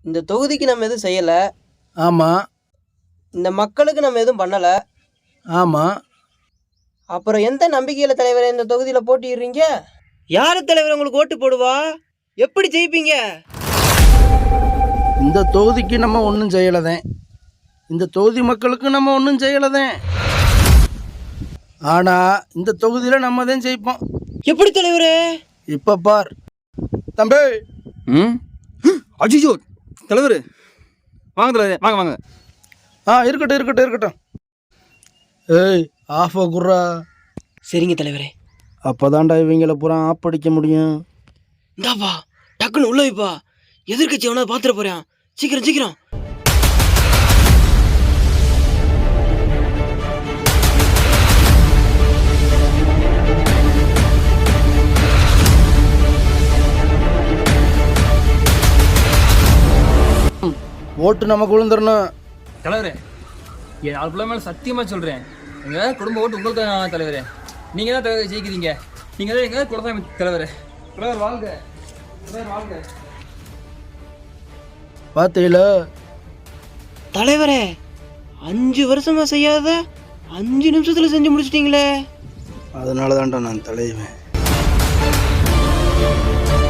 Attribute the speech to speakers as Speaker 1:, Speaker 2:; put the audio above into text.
Speaker 1: இந்த தொகுதிக்கு நம்ம எதுவும் செய்யலை.
Speaker 2: ஆமாம்.
Speaker 1: இந்த மக்களுக்கு நம்ம எதுவும் பண்ணலை.
Speaker 2: ஆமாம்.
Speaker 1: அப்புறம் எந்த நம்பிக்கையில் தலைவரை இந்த தொகுதியில் போட்டிடுறீங்க? யார் தலைவர் உங்களுக்கு ஓட்டு போடுவா? எப்படி ஜெயிப்பீங்க?
Speaker 2: இந்த தொகுதிக்கு நம்ம ஒன்றும் செய்யலதேன். இந்த தொகுதி மக்களுக்கு நம்ம ஒன்றும் செய்யலதேன். ஆனால் இந்த தொகுதியில் நம்ம தான் ஜெயிப்போம்.
Speaker 1: எப்படி தலைவரே?
Speaker 2: இப்போ பார் தம்பி.
Speaker 3: அஜிஜோ தலைவர் வாங்க தலைவர், வாங்க வாங்க.
Speaker 2: இருக்கட்டும் இருக்கட்டும் இருக்கட்டும். ஏய் ஆஃபா குர்ரா.
Speaker 1: சரிங்க தலைவரே.
Speaker 2: அப்போ தான்டா இவங்களை பூரா ஆப் அடிக்க முடியும்.
Speaker 1: இந்தாப்பா டக்குன்னு உள்ள வைப்பா. எதிர்கட்சி எவனா பாத்துட போறான். சீக்கிரம் சீக்கிரம்.
Speaker 2: ஓட்டு நமக்கு விழுந்துடணும்.
Speaker 3: தலைவரே என் 4 பிள்ளை மேலே சத்தியமாக சொல்கிறேன், எங்கள் குடும்ப ஓட்டு உங்களுக்கு தான் தலைவரே. நீங்கள் தான் தலைவர் ஜெயிக்கிறீங்க. நீங்கள் தான் எங்கள் குலசாமி தலைவர். தலைவர் வாழ்க, தலைவர் வாழ்க.
Speaker 2: பார்த்தீங்களா
Speaker 1: தலைவரே, 5 வருஷமா செய்யாத 5 நிமிஷத்துல செஞ்சு முடிச்சிட்டீங்களே.
Speaker 2: அதனால தான்டா நான் தலைவேன்.